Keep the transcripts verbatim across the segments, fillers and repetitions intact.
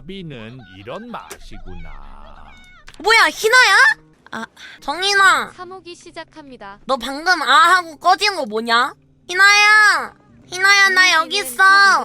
가비는 이런 맛이구나. 뭐야 희나야? 아 정인아 사목이 시작합니다. 너 방금 아 하고 꺼진 거 뭐냐? 희나야 희나야 나 여기 있어.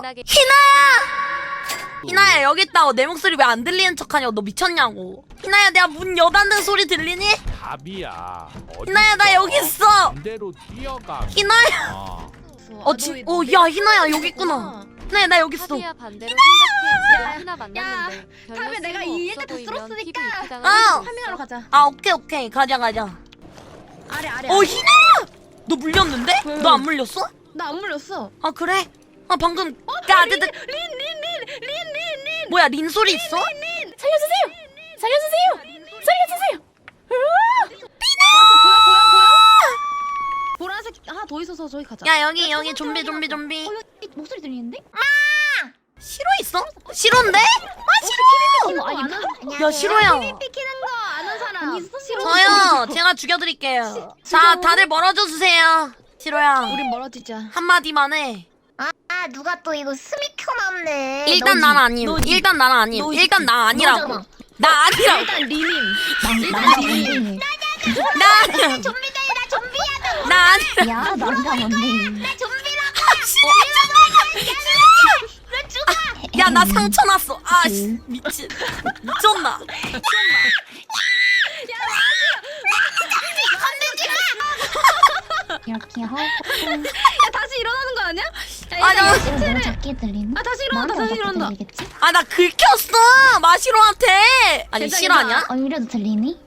희나야 희나야 여기 있다고. 내 목소리 왜 안 들리는 척하냐고. 너 미쳤냐고. 희나야 내가 문 여닫는 소리 들리니? 가비야. 희나야 나 여기 있어. 반대로 뛰어가. 희나야 어 진.. 어 야 희나야 여기 있구나. 희나야 나 여기 있어. 카비야 반대로 생각해. 야, 하나 만났는데 별로 다음에 내가 쓸모 이 없어 얘기 다 보이면 쓸었으니까. 티비 이렇게 아! 파밍하러 가자. 아 오케이 오케이 가자 가자. 아래 아래. 어 희나야 너 물렸는데? 왜, 왜? 너 안 물렸어? 나 안 물렸어. 아 그래? 아 방금 야 네, 네. 린린린린린린 뭐야 린 소리 있어? 살려주세요. 살려주세요. 살려주세요. 왔어 보여 보여 보여? 보라색 하나 더 있어서 저기 가자. 야 여기 여기 좀비 좀비 좀비. 어, 여기 목소리 들리는데? 시로 있어? 시로인데? 아 시로! 이거 아니 야 시로야. 피키는 거 아는 사람. 있어 싫어. 저요 제가 죽여드릴게요. 자 다들 멀어져 주세요. 시로야 우린 멀어지자. 한마디만 해. 아, 아 누가 또 이거 스미 켜놨네. 일단 너지, 난 아님. 너지. 일단 난 아님. 너지. 일단 나 아니라고. 너잖아. 나 아니라고. 일단 리님. 나 뭔데? 나 아니라고. 좀비다 나 좀비야 나. 나 아니라고. 야 남자 뭔데? 나 좀비라고. 나 죽어. 야 나 상처 났어. 아 씨, 미친. 미쳤나? 이렇게 하고. 야 다시 일어나는 거 아니야? 야, 아니, 일단 어, 시체를- 너무 작게 들리나? 아 다시 일어난다 다시 일어난다. 들리겠지? 아 나 긁혔어 마시로한테. 아니 괜찮아, 실화냐? 어 이래도 들리니?